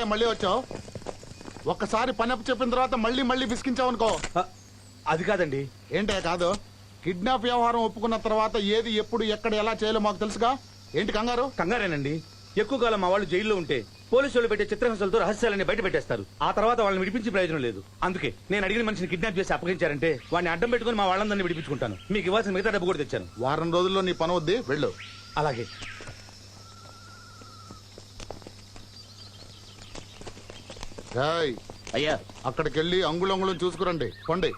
మళ్ళీ వచ్చావు? ఒక్కసారి పని అప్పు చెప్పిన తర్వాత మళ్ళీ మళ్ళీ విసికించావు అనుకో. అది కాదండి. ఏంటే కాదు? కిడ్నాప్ వ్యవహారం ఒప్పుకున్న తర్వాత ఏది ఎప్పుడు ఎక్కడ ఎలా చేయాలో మాకు తెలుసుగా. ఏంటి కంగారు? కంగారేనండి. ఎక్కువ కాలం మా వాళ్ళు జైల్లో ఉంటే పోలీసు వాళ్ళు పెట్టే చిత్రహింసలతో రహస్యాలన్నీ బయట పెట్టేస్తారు. ఆ తర్వాత వాళ్ళని విడిపించి ప్రయోజనం లేదు. అందుకే నేను అడిగిన మనిషిని కిడ్నాప్ చేసి అప్పగించారంటే వాడిని అడ్డం పెట్టుకుని మా వాళ్ళందరినీ విడిపించుకుంటాను. మీకు ఇవ్వాల్సిన మిగతా డబ్బు కూడా తెచ్చాను. వారం రోజుల్లో నీ పని వద్ది, వెళ్ళు. అలాగే. అయ్యా, అక్కడికి వెళ్ళి అంగుళంగుళం చూసుకురండి. కొండి.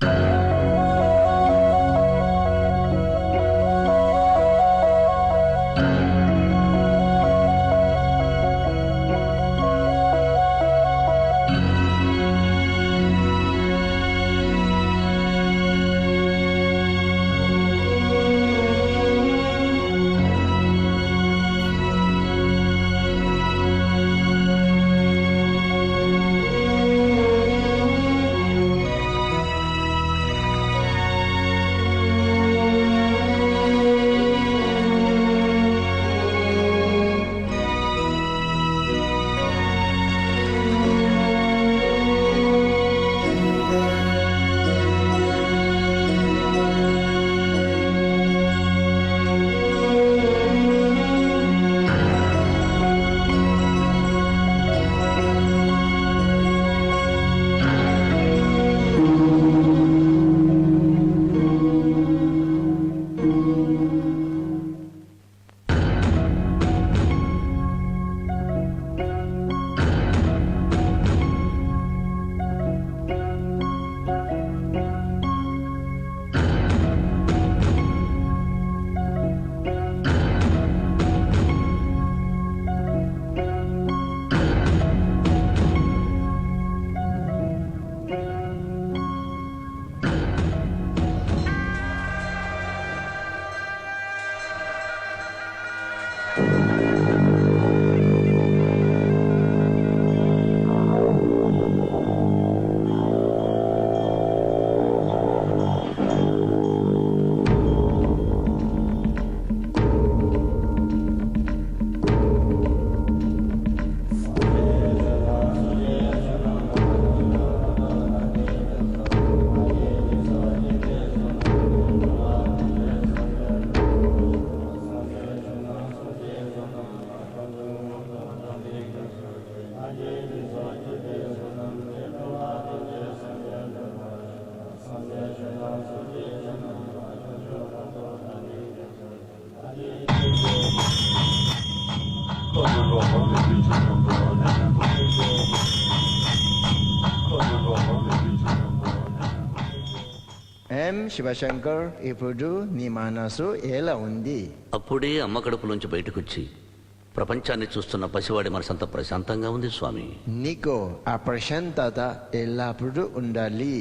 శివశంకర్, ఇప్పుడు నీ మనసు ఎలా ఉంది? అప్పుడే అమ్మ కడుపులోంచి బయటకొచ్చి ప్రపంచాన్ని చూస్తున్న పసివాడి మనసంతా ప్రశాంతంగా ఉంది స్వామి. నీకు ఆ ప్రశాంతత ఎల్లప్పుడూ ఉండాలి.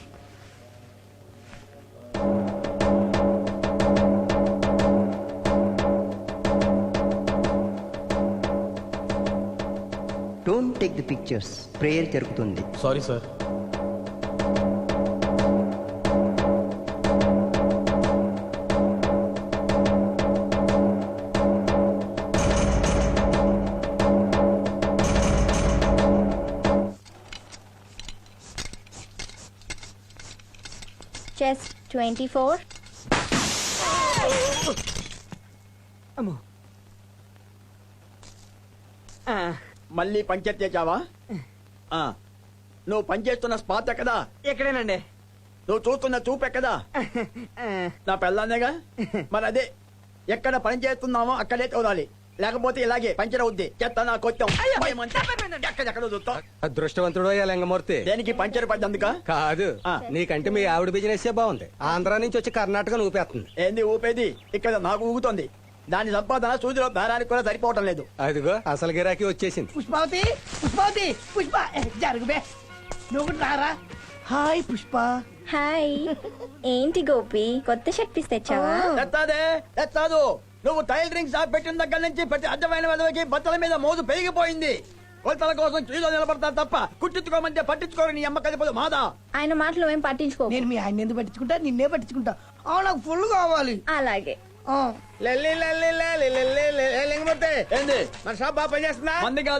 Don't take the pictures. Prayer జరుగుతుంది. Sorry sir. Chest 24. మళ్ళీ పంచాయతీ చేసావా? నువ్వు పనిచేస్తున్న స్పాట్ ఎక్కదా? ఎక్కడేనండి? నువ్వు చూస్తున్న చూపు ఎక్కదా? నా పెళ్ళాన్నేగా. మరి అదే ఎక్కడ పని చేస్తున్నామో అక్కడే చూడాలి, లేకపోతే ఇలాగే పంచర్ అవుద్ది. చెత్త నా కొత్తం ఎక్కడెక్కడ చూస్తావు. అదృష్టవంతుడు లింగమూర్తి. దేనికి పంచర్ పడ్డందుక? కాదు, నీకంటే మీ ఆవిడ బిజినెస్ బాగుంది. ఆంధ్ర నుంచి వచ్చి కర్ణాటక ఊపేస్తుంది. ఏంది ఊపేది? ఇక్కడ నాకు ఊగుతోంది. దాని సంపాదన సూదిలో దారానికి కూడా సరిపోవటం లేదు. అదిగో అసలు గిరాకీ వచ్చేసింది. పుష్పావతి, పుష్పావతి, పుష్ప జరుగుబే. నువ్వు రారా. హాయ్ పుష్ప. హాయ్. ఏంటి గోపి, కొత్త షర్ట్ పీస్ తెచ్చావా? తెస్తాదు. నువ్వు టైలరింగ్ షాప్ పెట్టిన దగ్గర నుంచి ప్రతి అడ్డమైన విధవకి బట్టల మీద మోజు పెరిగిపోయింది. కొలతల కోసం క్యూలో నిలబడతారు తప్ప కుట్టించుకోమంటే పట్టించుకోరు. నీ అమ్మ కలిపోదు మాదా. ఆయన మాటలు ఏం పట్టించుకో. నేను మీ ఆయన ఎందుకు పట్టించుకుంటా, నిన్నే పట్టించుకుంటా. నాకు ఫుల్ కావాలి. అలాగే. ఏంది మన షాప్ బాగా పనిచేస్తుందా? మంది కాదు,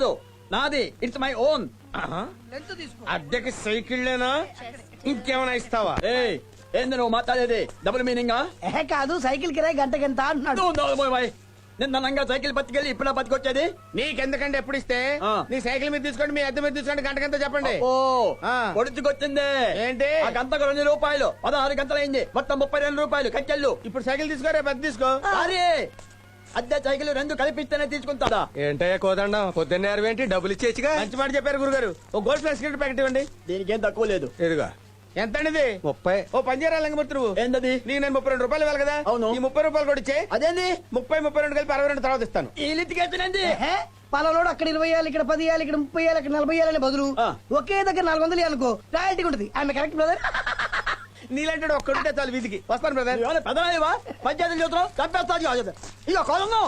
నాది, ఇట్స్ మై ఓన్. అద్దెకి సైకిళ్ళేనా ఇంకేమైనా ఇస్తావా? ఏయ్, ఏంది నువ్వు మాట్లాడేది? డబుల్ మీనింగా? కాదు, సైకిల్ కిరాయి గంటకెంత అంటున్నాడు. నిన్న నంగా సైకిల్ పట్టుకెళ్ళి ఇప్పుడు పట్టుకొచ్చేది. నీకెందుకంటే ఎప్పుడు ఇస్తే ఆ. నీ సైకిల్ మీద తీసుకోండి, మీ అద్దె మీద తీసుకోండి, గంటకంతా చెప్పండి. ఓ ఆ. పొడుచుకొచ్చింది. ఏంటి? ఆ గంటకు 2 రూపాయలు, 16 గంటలైంది, మొత్తం 32 రూపాయలు కట్టెళ్ళు. ఇప్పుడు సైకిల్ తీసుకో, రేపు అద్దె తీసుకో. అరే, అద్దె సైకిల్ 2 కలిపిస్తేనే తీసుకుంటాడా? ఏంటయ్యా కోదండం, పొద్దున్నే అరవేంటి, డబ్బులు ఇచ్చేచ్చుగా. మంచి మాట చెప్పారు గురుగారు. ఓ గోల్డ్ ప్లస్ సిగరెట్ ప్యాకెట్ ఇవ్వండి. దీనికి ఏం తక్కువ లేదు. ఎదుగా ఎంత అండి ఇది? 30. ఓ పంజారా లింగమూర్తి నువ్వు. ఏందది? నీకు నేను 32 రూపాయలు ఇవ్వాలి కదా. అవును. ఈ 30 రూపాయలు కూడా ఇచ్చే. అదేంది? 30, 32 కలిపి 62 తర్వాత ఇస్తాను. ఈ లిటికేషన్ పలాలోడు అక్కడ 20 వేయాలి, ఇక్కడ 10 వేయాలి, ఇక్కడ 30 వేయాలి, ఇక్కడ 40 వేయాలని బదులు ఆ. ఒకే దగ్గర 400 అనుకో రాయల్టీ ఉంటుంది. ఆమె కరెక్ట్ బ్రదర్. నీలాంటి ఒక్కడుంటే చాలు వీధికి. వస్తాను బ్రదర్. పెద్దవా పంచాయతీ చూద్దాం చంపేస్తా. ఇక కొలను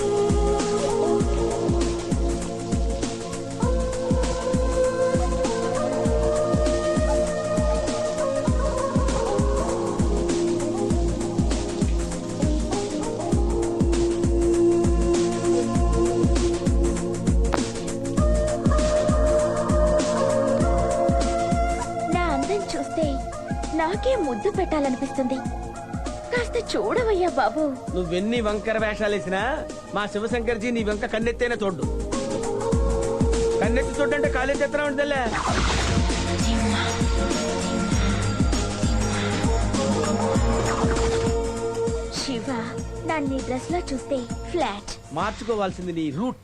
నా అందం చూస్తే నాకే ముద్దు పెట్టాలనిపిస్తుంది. కాస్త చూడవయ్యా బాబు. నువ్వెన్ని వంకర వేషాలు వేసినా మా శివశంకర్జీ నీ వెంక కన్నెత్తైనా చూడ్డు. కన్నెత్తి చూడంటే కాలేజ్ ఎత్తనా ఉంటుందిలే. శివ, నన్ను ఈ డ్రెస్ లో చూస్తే ఫ్లాట్. మార్చుకోవాల్సింది నీ రూట్.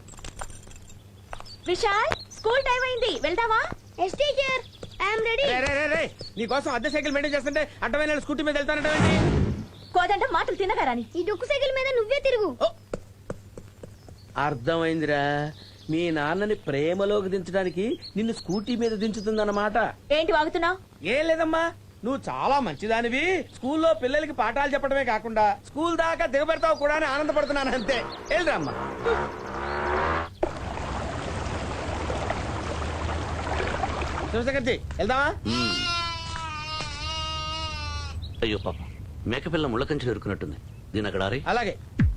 విశాల్, స్కూల్ టైం అయింది, వెళ్దామా? Yes teacher, I'm ready. నీ కోసం అద్దె సైకిల్ మెయింటైన్ చేస్తుంటే అడ్డమైన స్కూటీ మీద వెళ్తానంటే కోదంట మాటలు తినగారాని ఈ డొక్కు సైకిల్ మీద నువ్వే తిరుగు. అర్థమైందిరా, మీ నాన్నని ప్రేమలోకి దించడానికి నిన్ను స్కూటీ మీద దించుతుందన్నమాట. ఏంటి వాగుతున్నావు? ఏం లేదమ్మా, నువ్వు చాలా మంచిదానివి. స్కూల్లో పిల్లలకి పాఠాలు చెప్పడమే కాకుండా స్కూల్ దాకా దిగబెడతావు కూడా అని ఆనందపడుతున్నాను అంతే. వెళ్ళరమ్మా. శివశంకర్జీ వెళ్దామా? అయ్యో పాప, మేకపిల్ల ముళ్ళకంచెలు ఎరుకున్నట్టుంది. దీని అక్కడ ఆరి. అలాగే.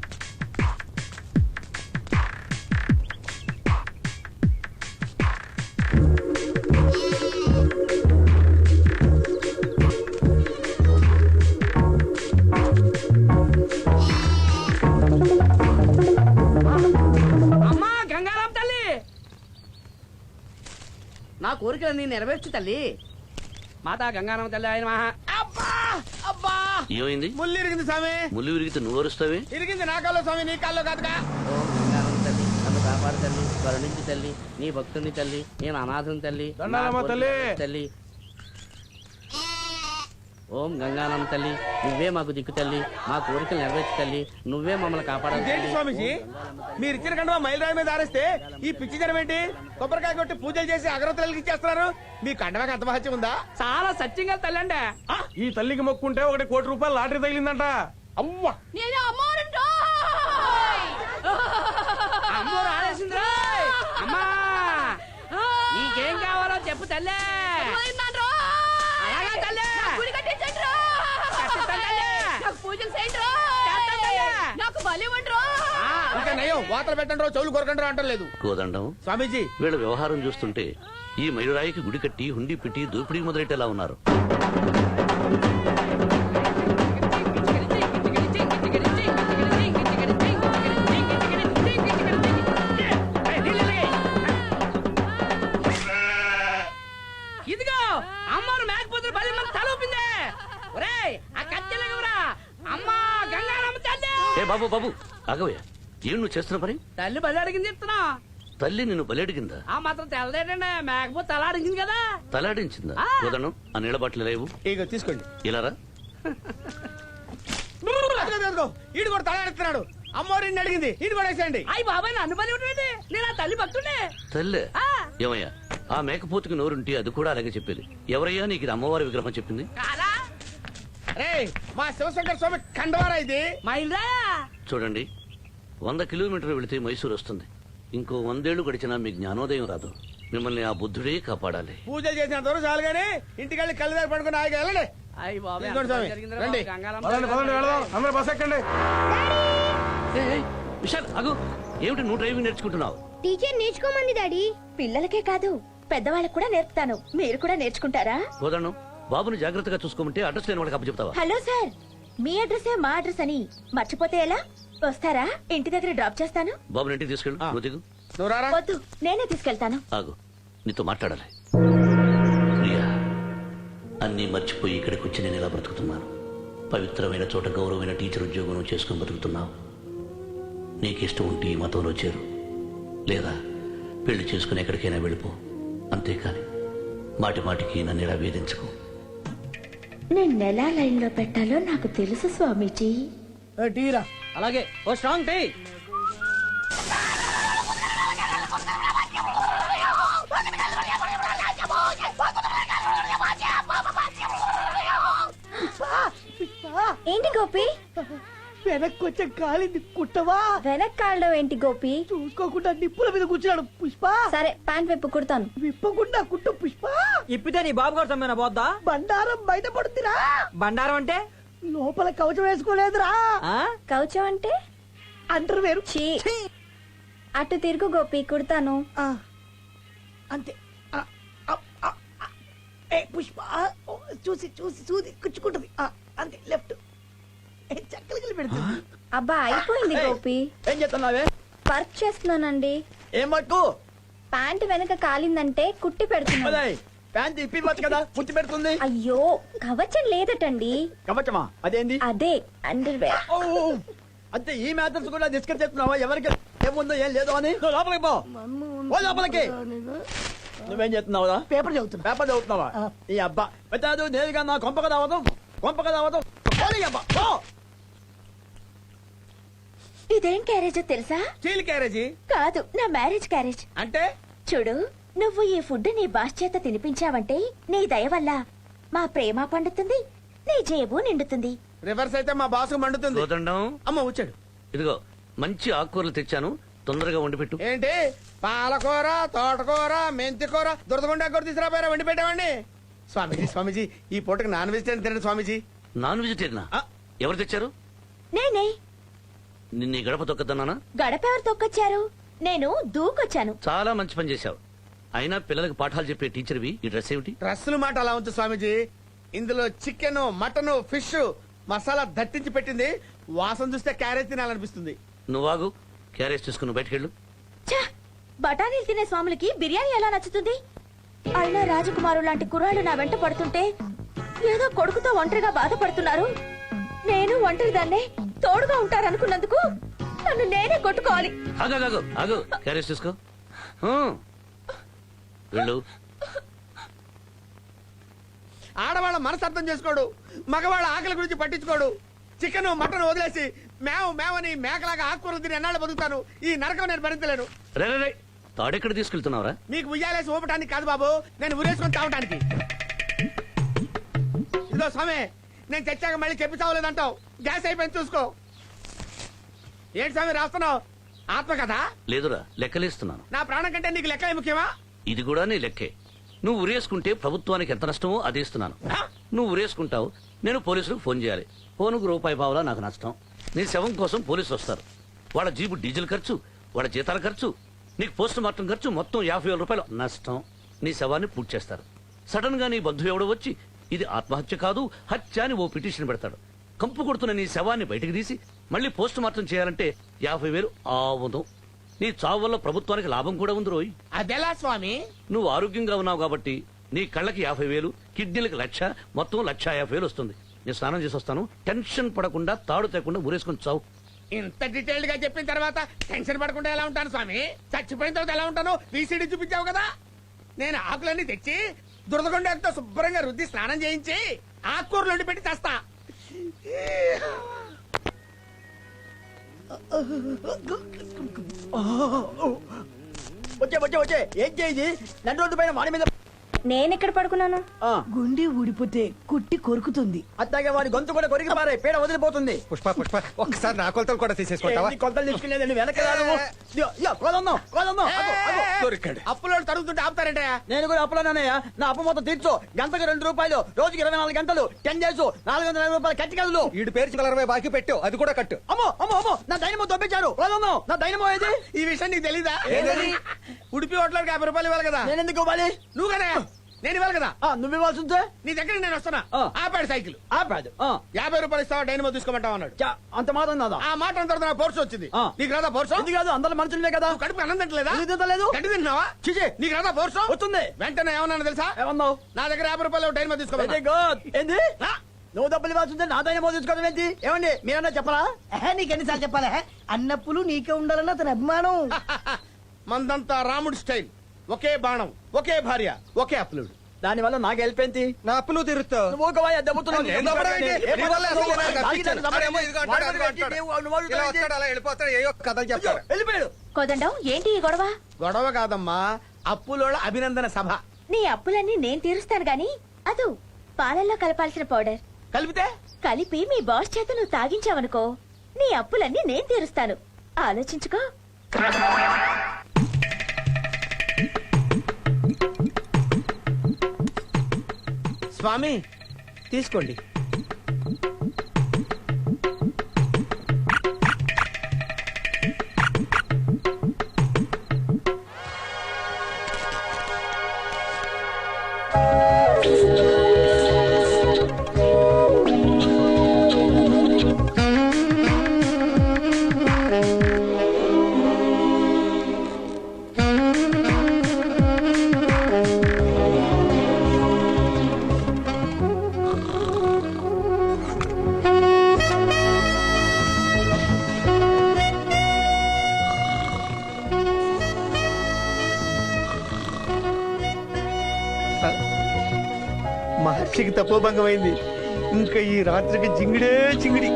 అమ్మా గంగారాం తల్లి, నా కోరికలన్నీ నెరవేర్చు తల్లి. మాతా గంగారామ తల్లి ఆయన మహా. అబ్బా అబ్బా, ఏమైంది? ముళ్ళు ఇరిగింది స్వామి. ముళ్ళు విరిగితే నువ్వు అరుస్తావే? ఇరిగింది నా కాల్లో స్వామి, నీ కాల్లో కాదుగా. ఓం గంగారామ తల్లి, నన్ను కాపాడు తల్లి, కరుణించి తల్లి, నీ భక్తుని తల్లి, నేను అనాథం తల్లి, దండాలమ్మ తల్లి. తల్లి. ఓం గంగారామ తల్లి, నువ్వే మాకు దిక్కు తల్లి, మా కోరికలు నెరవేర్చు తల్లి, నువ్వే మమ్మల్ని కాపాడాలి ఇదేంటి తల్లి. స్వామిజీ, మీరు ఇచ్చిన కంటే మైలురాయి మీద ఆరేస్తే ఈ పిచ్చి జనం ఏంటి? కొబ్బరికాయ కొట్టి పూజలు చేసి అగరత్తులకి ఇచ్చేస్తున్నారు. మీ కండవాకి అంత మహత్యం ఉందా? చాలా సత్యంగా తల్లి అండి. ఈ తల్లికి మొక్కుంటే 1 కోటి రూపాయలు లాటరీ తగిలిందంట. అవ్వా, అమ్మో రాలేసింది. అమ్మా నీకేం కావాలో చెప్పు తల్లి. అలాగా తల్లి. కట్టిస్తాను తల్లి. చేస్తాను తల్లి. ఇంకా నయం, వాతలు పెట్టండి, చెవులు కొరకండి అంటలేదు. కోదండం, స్వామీజీ, వీళ్ళ వ్యవహారం చూస్తుంటే ఈ మయూరాయికి గుడి కట్టి హుండీ పెట్టి దోపిడీ మొదలెట్టేలా ఉన్నారు. ఇదిగో అమ్మను మేకపోతులు 10 మంది తలూపింది. ఒరేయ్ ఆ కత్తెలగవరా అమ్మా గంగారమ్మ తల్లి. ఏ బాబు బాబు ఆగవయ్యా, ఏం నువ్వు చేస్తున్న పని? తల్లి బలి అడిగింది చెప్తున్నా. తల్లి నిన్ను బలెడిగిందా? ఆ మాత్రం తెల్లదేటండి, మేకపోతే తల అడిగింది కదా. తలాడించిందా? కోదండం, ఆ నీళ్ళ బాటిల్ లేవు. ఇగో తీసుకోండి. ఇలారా. ఈడు కూడా తలాడుతున్నాడు. అమ్మవారిని అడిగింది, ఈడు కూడా వేసేయండి. అయ్యి బాబాయ్ నన్ను బలి ఉంటుంది, నేను ఆ తల్లి భక్తుండే. తల్లే ఏమయ్యా, ఆ మేకపోతుకి నోరుంటే అది కూడా అలాగే చెప్పేది. ఎవరయ్యా నీకు ఇది అమ్మవారి విగ్రహం చెప్పింది? కాదా రే, మా శివశంకర్ స్వామి కండవారా ఇది. మా ఇల్లా చూడండి, 100 కిలోమీటర్లు వెళితే మైసూరు వస్తుంది. ఇంకో 100 ఏళ్లు గడిచినా మీ జ్ఞానోదయం రాదు. మిమ్మల్ని ఆ బుద్ధుడే కాపాడాలి. పూజలు చేసినంత వరకు చాలు గానీ ఇంటికి వెళ్ళి కళ్ళు దగ్గర పడుకుని ఆగి వెళ్ళండి. అయ్యి బాబాయ్ తీసుకోండి స్వామి, జరిగిందిరా రండి. బాబు, గంగారమ్మ పదండి, పదండి, వెళదాం. అందరూ బస్ ఎక్కండి. విశాల్ ఆగు. ఏమిటి నువ్వు డ్రైవింగ్ నేర్చుకుంటున్నావు? టీచర్ నేర్చుకోమంది డాడీ. పిల్లలకే కాదు పెద్దవాళ్ళకు కూడా నేర్పుతాను. మీరు కూడా నేర్చుకుంటారా? కోదండం, బాబుని జాగ్రత్తగా చూసుకోమంటే అడ్రస్ లేని వాళ్ళకి అప్పచెప్తావా? హలో సార్, మీ అడ్రసే మా అడ్రస్ అని మర్చిపోతే ఎలా? వస్తారా? ఇంటి దగ్గర డ్రాప్ చేస్తాను. బాబుని ఇంటికి తీసుకెళ్ళు. నువ్వు దిగు. నువ్వు రారా. వద్దు, నేనే తీసుకెళ్తాను. ఆగు, నీతో మాట్లాడాలి. ప్రియా, అన్నీ మర్చిపోయి ఇక్కడికి వచ్చి నేను ఇలా బ్రతుకుతున్నాను. పవిత్రమైన చోట గౌరవమైన టీచర్ ఉద్యోగం చేసుకుని బ్రతుకుతున్నావు. నీకు ఇష్టం ఉంటే ఈ మతంలో చేరు, లేదా పెళ్లి చేసుకుని ఎక్కడికైనా వెళ్ళిపో. అంతేకాని మాటి మాటికి నన్ను ఇలా వేధించుకో. నేను ఎలా లైన్ లో పెట్టాలో నాకు తెలుసు స్వామీజీ. టీరా అలాగే ఓ స్ట్రాంగ్ టీ. ఏంటి గోపి? వెనక్కి వచ్చే కాలింది కుట్టవా? వెనక్కాళ్ళలో ఏంటి గోపి? చూసుకోకుండా నిప్పుల మీద కూర్చున్నాడు పుష్ప. సరే, ప్యాంట్ వైపు కుడతాను. విప్పకుండా కుట్టు పుష్ప. ఇప్పితే నీ బాబు కూడా తమ్మేనా పోద్దా? బండారం బయట పడుతురా. బండారం అంటే లోపల కవచం వేసుకోలేదురా. కౌచం అంటే అంటారు వేరు. చీ. అటు తిరుగు గోపి, కుడతాను. అంతే. ఏ పుష్ప, చూసి చూసి చూసి కుచ్చుకుంటది. అంతే, లెఫ్ట్ చక్కలు పెడుతుంది. అబ్బా, అయిపోయింది గోపి. ఏం చేస్తున్నావే? వర్క్ చేస్తున్నానండి. ఏం పట్టు? ప్యాంట్ వెనక కాలిందంటే కుట్టి పెడుతున్నాను. ప్యాంట్ ఇప్పివచ్చు కదా, పుట్టి పెడుతుంది. అయ్యో, కవచం లేదటండి. కవచమా? అదేంది? అదే అండర్ వేర్. అంతే, ఈ మ్యాటర్స్ కూడా డిస్కస్ చేస్తున్నావా? ఎవరికి ఏముందో ఏం లేదో అని. నువ్వు లోపలికి పో. ఓ లోపలికి. నువ్వేం చేస్తున్నావురా? పేపర్ చదువుతున్నా. పేపర్ చదువుతున్నావా? ఈ అబ్బా పెద్దాదు నేరుగా నా కొంపక రావడం, కొంపక రావడం. అబ్బా పో. ఇదేం క్యారేజో తెలుసా? స్టీల్ క్యారేజీ కాదు, నా మ్యారేజ్ క్యారేజ్. అంటే చూడు, నువ్వు ఈ ఫుడ్ నీ బాస్ చేత తినిపించావంటే నీ దయ వల్ల మా ప్రేమ పండుతుంది, నీ జేబు నిండుతుంది. రివర్స్ అయితే మా బాసు మండుతుంది. కోదండం, అమ్మ వచ్చాడు. ఇదిగో మంచి ఆకుకూరలు తెచ్చాను, తొందరగా వండి పెట్టు. ఏంటి పాలకూర, తోటకూర, మెంతికూర, దురదగుండా కూర తీసుకురాపోయారా? వండి పెట్టామండి. స్వామీజీ, స్వామీజీ, ఈ పూటకి నాన్ వెజిటేరియన్ తినండి స్వామీజీ. నాన్ వెజిటేరియనా? ఎవరు తెచ్చారు? నేనే. నిన్న ఈ గడప తొక్కదన్నానా? గడప ఎవరు తొక్కొచ్చారు? నేను దూకొచ్చాను. చాలా మంచి పని చేశావు. అయినా పిల్లలకు పాఠాలు చెప్పే టీచర్వి ఈ డ్రెస్ ఏమిటి? డ్రస్సుల మాట అలా ఉంచు స్వామీజీ. ఇందులో చికెన్, మటన్, ఫిష్ మసాలా దట్టించి పెట్టింది. వాసన చూస్తే క్యారెట్ తినాలనిపిస్తుంది. నువ్వాగు, క్యారేజ్ తీసుకుని బయటకెళ్ళు. ఛ! బఠానీలు తినే స్వాములకి బిర్యానీ ఎలా నచ్చుతుంది? అయినా రాజకుమారు లాంటి కుర్రాళ్ళు నా వెంట పడుతుంటే ఏదో కొడుకుతో ఒంటరిగా బాధపడుతున్నారు. నేను ఒంటరి దాన్నే తోడుగా ఉంటారనుకున్నందుకు నన్ను నేనే కొట్టుకోవాలి. ఆగు, ఆగు, క్యారేజ్ తీసుకో. వెళ్ళు. ఆడవాళ్ళ మనసు అర్థం చేసుకోడు, మగవాళ్ళ ఆకలి గురించి పట్టించుకోడు. చికెన్, మటన్ వదిలేసి మేవని మేకలాగా ఆకుకూరలు తిని ఎన్నాళ్ళు బతుకుతాను. ఈ నరకం నేను భరించలేను. రే, తాడెక్కడ తీసుకెళ్తున్నావురా? మీకు ఉయ్యాలేసి ఊపటానికి కాదు బాబు, నేను ఉరేసుకొని తాగటానికి. ఇదో స్వామి, నేను చచ్చాక మళ్ళీ చెప్పి చావలేదంటావు. గ్యాస్ అయిపోయింది చూసుకో. ఏంటి స్వామి రాస్తున్నావు? ఆత్మ కదా? లేదురా, లెక్కలేస్తున్నాను. నా ప్రాణం కంటే నీకు లెక్క ముఖ్యమా? ఇది కూడా నీ లెక్కే. నువ్వు ఉరేసుకుంటే ప్రభుత్వానికి ఎంత నష్టమో అది ఇస్తున్నాను. నువ్వు ఉరేసుకుంటావు, నేను పోలీసులకు ఫోన్ చేయాలి. ఫోనుకు రూపాయి పావులా నాకు నష్టం. నీ శవం కోసం పోలీసులు వస్తారు. వాళ్ళ జీబు డీజిల్ ఖర్చు, వాళ్ళ జీతాల ఖర్చు, నీకు పోస్ట్ మార్టం ఖర్చు, మొత్తం 50,000 రూపాయలు నష్టం. నీ శవాన్ని పూర్తి చేస్తారు. సడన్ గా నీ బంధువు ఎవడో వచ్చి ఇది ఆత్మహత్య కాదు, హత్య అని ఓ పిటిషన్ పెడతాడు. కంపు కొడుతున్న నీ శవాన్ని బయటకు తీసి మళ్ళీ పోస్ట్ మార్టం చేయాలంటే 50,000 ఆవును. నీ చావు వల్ల ప్రభుత్వానికి లాభం కూడా ఉంది రోయ్. అదెలా స్వామి? నువ్వు ఆరోగ్యంగా ఉన్నావు కాబట్టి నీ కళ్ళకి 50,000, కిడ్నీలకు 1,00,000, మొత్తం 1,50,000 వస్తుంది. నేను స్నానం చేసి వస్తాను. టెన్షన్ పడకుండా, తాడు తేకుండా ఊరేసుకొని చావు. ఇంత డీటెయిల్డ్ గా చెప్పిన తర్వాత టెన్షన్ పడకుండా ఎలా ఉంటాను స్వామి? చచ్చిపోయిన తర్వాత ఎలా ఉంటాను? VCD చూపించావు కదా. నేను ఆకులన్నీ తెచ్చి దురదగొండతో శుభ్రంగా రుద్ది స్నానం చేయించి ఆకుకూరలు వండి పెట్టి తెస్తా. వచ్చే ఏం చేయి? నన్ను రోడ్డు పైన వాడి మీద నేనెక్కడ పడుకున్నాను? ఆ, గుండె ఊడిపోతే కుట్టి కొరుకుతుంది. అట్లాగే వాడి గొంతు కూడా కొరికి పారే పీడ వదిలిపోతుంది. పుష్ప పుష్ప ఒక్కసారి నా కొలతలు కూడా తీసేసుకుంటావా? ఏంటి కొలతలు తీసుకునేదండి వెనక రాదు. కోదన్నాం దొరికాడు. అప్పులో తరుగుతుంటే ఆపుతారంటే నేను కూడా అప్పులోనయ్యా. నా అప్పు మొత్తం తీర్చు. గంటకు 2 రూపాయలు, రోజుకి 24 గంటలు, 10 డేస్, 450 రూపాయలు కట్టి కదలు. ఈడు పేరు 20 బాకీ పెట్టు, అది కూడా కట్టు. అమ్మో అమ్మో అమ్మో, నా దైనమో దొబ్బించారు. కోదన్నాం, నా దైనమో ఏది? ఈ విషయం నీకు తెలీదా? ఉడిపి హోటల్కి 50 రూపాయలు ఇవ్వాలి కదా. నేను ఎందుకు ఇవ్వాలి? నువ్వు కదా, నేను ఇవ్వాలి కదా. నువ్వు ఇవ్వాల్సి ఉంటే నీ దగ్గరికి నేను వస్తున్నా. ఆ. ఆపాడు సైకిల్. ఆపాదు. 50 రూపాయలు ఇస్తావా డైనమో తీసుకోమంటావు అన్నాడు. అంత మాత్రం నాదా? ఆ మాట అన్న తర్వాత నాకు పోర్సు వచ్చింది. ఆ. నీకు రాదా పోర్సు? ఇది కాదు, అందరు మనుషులే కదా. నువ్వు కడుపు అన్నం తింటలేదా? ఎందుకు తింటలేదు? గడ్డి తింటున్నావా? చిచి, నీకు రాదా పోర్సు? వస్తుంది. వెంటనే ఏమన్నా తెలుసా? ఏమన్నావు? నా దగ్గర 50 రూపాయలు డైనమో వెరీ తీసుకోమన్నా. గుడ్. ఏంది? నువ్వు డబ్బులు ఇవ్వాల్సి ఉంటే నా దైనమో తీసుకోవడం ఏంటి? ఏమండి మీరన్నా చెప్పరా? నీకెన్నిసార్లు చెప్పాలా? అన్నప్పులు నీకే ఉండాలన్న అతని అభిమానం. మందంతా రాముడు స్టైల్. ఒకే బాణం, ఒకే భార్య, ఒకే అప్లుడు. దాని వల్ల నాకు హెల్ప్ ఏంటి? నా అప్పులు తీరుస్తావు. నువ్వు ఒక వాయి దెబ్బతున్నావు. నేను దెబ్బడం ఏంటి? నీ వల్ల అసలు నేను కప్పించాను. అరేమో ఇదిగో అంటాడు, అదిగో అంటాడు. ఇలా వస్తాడు, అలా వెళ్ళిపోతాడు, ఏయో కథలు చెప్తాడు. వెళ్ళిపోయాడు. కోదండం, ఏంటి ఈ గొడవ? గొడవ కాదమ్మా, అప్పులోళ్ళ అభినందన సభ. నీ అప్పులన్నీ నేను తీరుస్తాను గాని అదు పాలల్లో కలపాల్సిన పౌడర్ కలిపితే కలిపి మీ బాస్ చేత నువ్వు తాగించావనుకో, నీ అప్పులన్నీ నేను తీరుస్తాను. ఆలోచించుకో. స్వామి తీసుకోండి. మహర్షికి తపోభంగమైంది. ఇంకా ఈ రాత్రికి జింగిడే జింగిడి.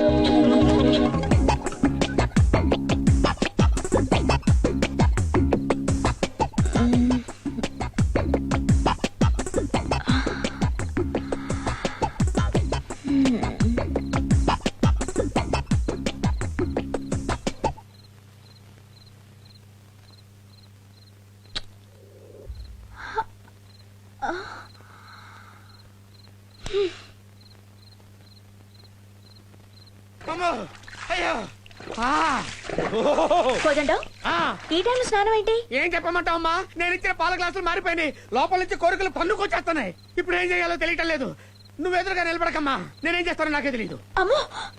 కోదండం, ఈ టైంలో స్నానం ఏంటి? ఏం చెప్పమంటావమ్మా, నేను ఇచ్చిన పాల గ్లాసులు మారిపోయినాయి. లోపల నుంచి కోరికలు పన్నుకొచ్చేస్తున్నాయి. ఇప్పుడు ఏం చేయాలో తెలియటం లేదు. నువ్వు ఎదురుగా నిలబడకమ్మా, నేనేం చేస్తానో నాకే తెలియదు. అమ్మో,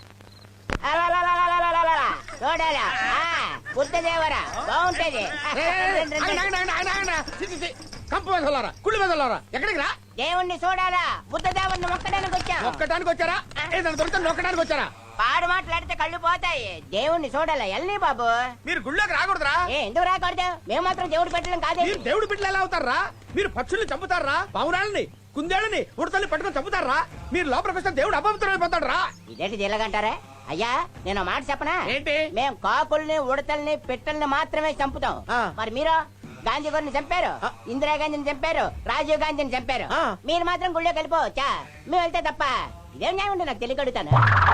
కంపు వెదలారా, కుళ్ళు వెదలారా, ఎక్కడికి రా? దేవుణ్ణి చూడాలా, బుద్ధ దేవుణ్ణి మొక్కడానికి వచ్చా. ఒక్కటానికి వచ్చారా? ఏదైనా దొరికితే నొక్కడానికి వచ్చారా? పాడు మాట్లాడితే కళ్ళు పోతాయి. దేవుణ్ణి చూడాలా, ఎల్ని బాబు. మీరు గుళ్ళోకి రాకూడదురా. ఎందుకు రాకూడదు? మేము మాత్రం దేవుడు పెట్టడం కాదే. మీరు దేవుడి బిడ్డలు ఎలా అవుతారా? మీరు పక్షుల్ని చంపుతారా? పావురాలని, కుందేళ్ళని, ఉడతల్ని పట్టుకొని చంపుతారా? మీరు లోపలికి వస్తే దేవుడు అపవిత్రమైపోతాడు రా. ఇదేంటి జిల్లగంటారా? అయ్యా నేను మాట చెప్పనా? ఏంటి? మేము కాకుల్ని, ఉడతల్ని, పిట్టల్ని మాత్రమే చంపుతాం. ఆ. మరి మీరు గాంధీ గారిని చంపారు, ఇందిరాగాంధీని చంపారు, రాజీవ్ గాంధీని చంపారు. ఆ. మీరు మాత్రం గుళ్ళోకి వెళ్ళిపోవచ్చా? మేము వెళ్తే తప్ప. ఇదేం న్యాయం ఉంటే నాకు తెలియగడుగుతాను.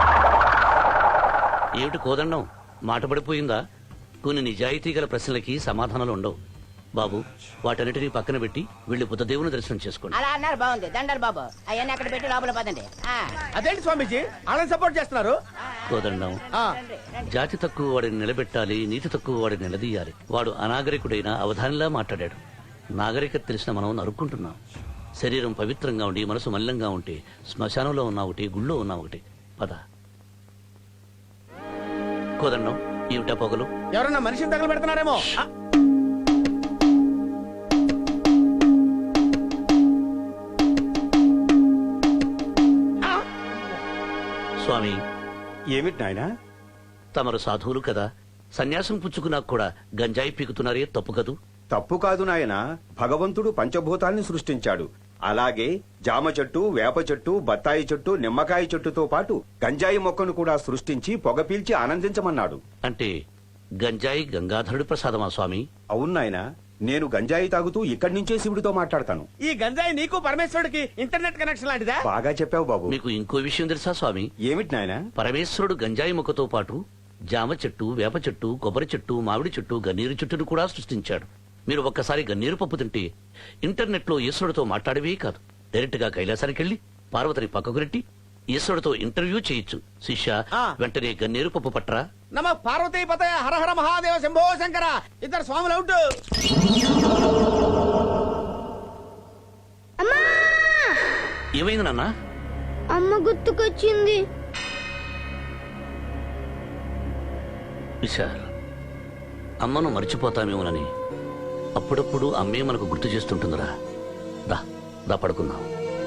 ఏమిటి కోదండం, మాట పడిపోయిందా? కొన్ని నిజాయితీ గల ప్రశ్నలకి సమాధానాలు ఉండవు బాబు. వాటన్నిటినీ పక్కన పెట్టి వెళ్ళి బుద్ధదేవుని దర్శనం చేసుకోండి. అలా అన్నారు, బాగుంది. దండాలు బాబు, అవన్నీ అక్కడ పెట్టి లోపల పదండి. అదేంటి స్వామీజీ వాళ్ళని సపోర్ట్ చేస్తున్నారు? కోదండం, ఆ, జాతి తక్కువ వాడిని నిలబెట్టాలి, నీతి తక్కువ వాడిని నిలదీయాలి. వాడు అనాగరికుడైన అవధానిలా మాట్లాడాడు. నాగరికత తెలిసిన మనం నరుక్కుంటున్నాం. శరీరం పవిత్రంగా ఉండి మనసు మల్లంగా ఉంటే శ్మశానంలో ఉన్న ఒకటి, గుళ్ళో ఉన్న ఒకటి. పద. కోదండం, ఏమిటా పొగలు? ఎవరన్నా మనిషిని తగలు పెడుతున్నారేమో. స్వామి, ఏమిటి నాయనా? తమరు సాధువులు కదా, సన్యాసం పుచ్చుకున్నాక కూడా గంజాయి పీకుతున్నారే, తప్పు కదూ? తప్పు కాదు నాయన. భగవంతుడు పంచభూతాల్ని సృష్టించాడు. అలాగే జామ చెట్టు, వేప చెట్టు, బత్తాయి చెట్టు, నిమ్మకాయ చెట్టుతో పాటు గంజాయి మొక్కను కూడా సృష్టించి పొగ పీల్చి ఆనందించమన్నాడు. అంటే గంజాయి గంగాధరుడి ప్రసాదమా స్వామి? అవును నాయన. నేను గంజాయి తాగుతూ ఇక్కడి నుంచే శివుడితో మాట్లాడతాను. ఈ గంజాయి నీకు పరమేశ్వరుడికి ఇంటర్నెట్ కనెక్షన్ లాంటిదా? బాగా చెప్పావు బాబు. మీకు ఇంకో విషయం తెలుసా స్వామి? ఏమిటి నాయనా? పరమేశ్వరుడు గంజాయి మొక్కతో పాటు జామ చెట్టు, వేప చెట్టు, కొబ్బరి చెట్టు, మామిడి చెట్టు, గన్నేరు చెట్టును కూడా సృష్టించాడు. మీరు ఒక్కసారి గన్నేరు పప్పు తింటే ఇంటర్నెట్ లో ఈశ్వరుడితో మాట్లాడవే కాదు, డైరెక్ట్ గా కైలాసానికి వెళ్లి పార్వతిని పక్కకు రెట్టి ఈశ్వరుడితో ఇంటర్వ్యూ చేయొచ్చు. శిష్య, వెంటనే గన్నేరు పప్పు పట్టరా. నమ పార్వతీ పతయ హర హర మహాదేవ శంభో శంకర. ఇద్దరు స్వాములు అవుట్. ఏమైంది నాన్న? అమ్మ గుర్తుకొచ్చింది. విశాల్, అమ్మను మర్చిపోతామేమోనని అప్పుడప్పుడు అమ్మే మనకు గుర్తు చేస్తుంటుందిరా. దా దా పడుకుందాం.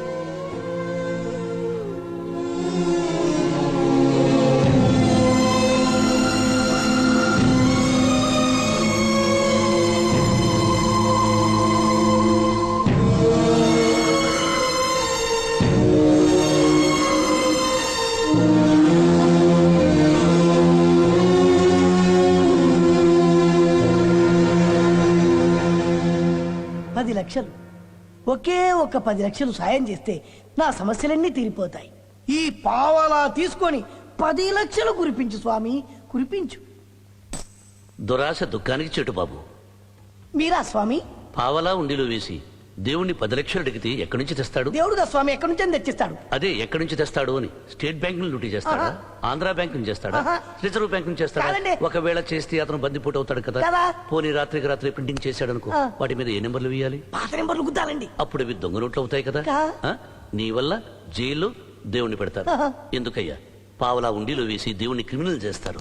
లక్షలు, ఒకే ఒక 10 లక్షలు సాయం చేస్తే నా సమస్యలన్నీ తీరిపోతాయి. ఈ పావలా తీసుకొని 10 లక్షలు కురిపించు స్వామి, కురిపించు. దురాశ దుఃఖానికి చెట్టు బాబు. మీరా స్వామి? పావలా ఉండిలో వేసి దేవుణ్ణి 10 లక్షలు అడిగితే ఎక్కడి నుంచి తెస్తాడు? దేవుడుగా స్వామి ఎక్కడి నుంచి తెచ్చిస్తాడు? అదే ఎక్కడి నుంచి తెస్తాడు అని. స్టేట్ బ్యాంక్ ను లూటీ చేస్తాడా? ఆంధ్ర బ్యాంక్ నుంచి చేస్తాడా? రిజర్వ్ బ్యాంక్ నుంచి చేస్తాడా? ఒకవేళ చేస్తే అతను బందిపోటు అవుతాడు కదా. పోనీ రాత్రికి రాత్రి ప్రింటింగ్ చేశాడు అనుకో, వాటి మీద ఏ నెంబర్లు వేయాలి? పాత నెంబర్లు గుద్దాలండి. అప్పుడు ఇవి దొంగ నోట్లు అవుతాయి కదా. నీ వల్ల జైల్లో దేవుణ్ణి పెడతారు. ఎందుకయ్యా? పావలా ఉండిలో వేసి దేవుణ్ణి క్రిమినల్ చేస్తారు.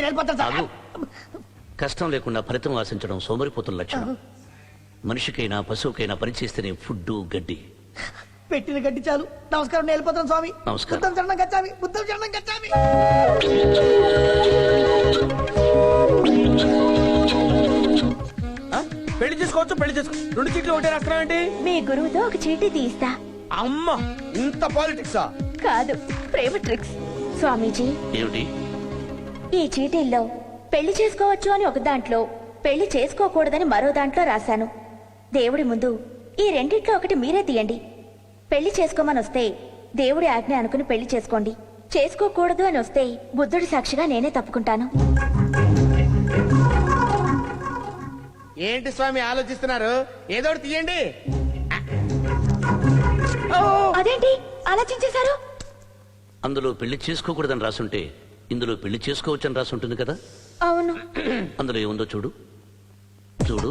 కష్టం లేకుండా ఫలితం ఆశించడం సోమరిపోతున్న లక్షణం. మనిషికైనా పశువుకైనా పనిచేస్తేనే ఫుడ్ గడ్డి. పెట్టిన గడ్డి చాలు. నమస్కారం, నేను వెళ్ళిపోతాను స్వామి. నమస్కారం. బుద్ధం చరణం గచ్చామి, బుద్ధం చరణం గచ్చామి. పెళ్లి చేసుకోవచ్చు, పెళ్లి చేసుకో. 2 చీట్లు ఒకటే రాష్ట్రం ఏంటి? మీ గురువుతో ఒక చీటీ తీస్తా. అమ్మ, ఇంత పాలిటిక్సా? కాదు, ప్రేమ ట్రిక్స్. స్వామీజీ, ఏమిటి ఈ చీటీల్లో పెళ్లి చేసుకోవచ్చు అని ఒక దాంట్లో, పెళ్లి చేసుకోకూడదని మరో దాంట్లో రాశాను. దేవుడి ముందు ఈ రెండిట్లో ఒకటి మీరే తీయండి. పెళ్లి చేసుకోమని వస్తే దేవుడి ఆజ్ఞ అనుకుని పెళ్లి చేసుకోండి. చేసుకోకూడదు అని వస్తే బుద్ధుడి సాక్షిగా నేనే తప్పుకుంటాను. ఏంటి స్వామి ఆలోచిస్తున్నారు? ఏదో ఒకటి తీయండి. అదేంటి ఆలోచించేశారు? అందులో పెళ్లి చేసుకోకూడదని రాసుంటే ఇందులో పెళ్లి చేసుకోవచ్చని రాసుంటుంది కదా. అవును. అందులో ఏముందో చూడు. చూడు,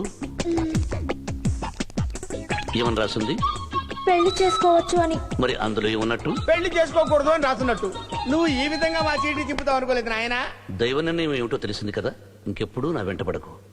ఏమని రాసుంది? పెళ్లి చేసుకోవచ్చు అని. మరి అందులో ఏమన్నట్టు? పెళ్లి చేసుకోకూడదు అని రాసున్నట్టు. నువ్వు ఈ విధంగా మా చీటీ చింపుతావు అనుకోలేదు నాయనా. దైవ నిర్ణయం ఏమిటో తెలిసింది కదా. ఇంకెప్పుడు నా వెంట పడకు.